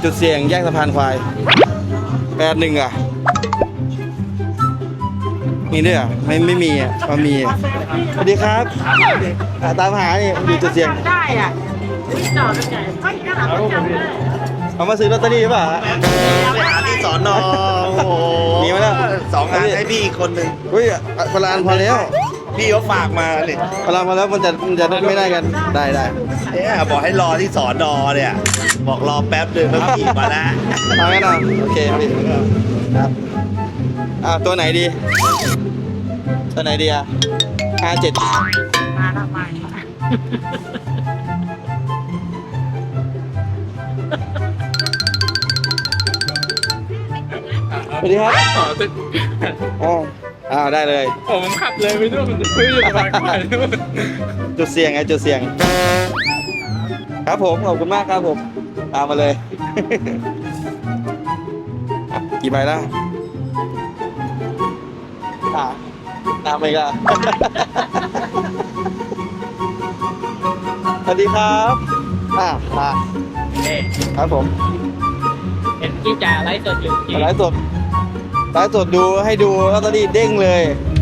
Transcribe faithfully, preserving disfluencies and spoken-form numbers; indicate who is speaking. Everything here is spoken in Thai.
Speaker 1: จุดเสี่ยงแยกสะพานควายแปดหนึ่งอ่ะมีด้วยอ่ะไม่ไม่มีอ่ะมามีอ่ะสวัสดีครับอ่ะตามหานี่อยู่จุดเสี่ยง
Speaker 2: ได้อ่ะจอดได้ไงก็ยังหาประจำได้
Speaker 1: เอามาซื้อลอตเตอรี่หรือเปล่าฮะ
Speaker 3: ไปหาที่สอนอโอ้โห
Speaker 1: มีมาแล้ว
Speaker 3: สองอันให้พี่อีกคนหนึ่ง
Speaker 1: เฮ้ยพลานพอแล้ว
Speaker 3: พี่เขาฝากมาเนี่ย
Speaker 1: พลานพอแล้วมันจะมันจะไม่ได้กันได้ได้
Speaker 3: เนี่ยบอกให้รอที่สอนอเนี่ย บอกรอแป๊บหนึงแล้วขี่มาแล้ว
Speaker 1: เอางั้นเอาโอเคพี่ครับอ่าตัวไหนดี ตัวไหนดีอ่ะห้าเจ็ด
Speaker 2: มาทำไม
Speaker 1: สวัสดีครับ
Speaker 4: อ๋อแต่
Speaker 1: อ๋ออ่าได้เลย
Speaker 4: ผมขับเลยไปด้วยมันไม่อยู่สบายกว่าด้วย
Speaker 1: จุดเสี่ยงไงจุดเสี่ยง ครับผมขอบคุณมากครับผมตามมาเลย อ่ะกี่ใบแล้วอ่าตามไปก็ สวัสดีครับอ่ามาครับผม
Speaker 2: เห็นที่จ่าไลฟ์สดอยู่
Speaker 1: ไลฟ์สดไลฟ์สดดูให้ดูลอตเตอรี่เด้งเลย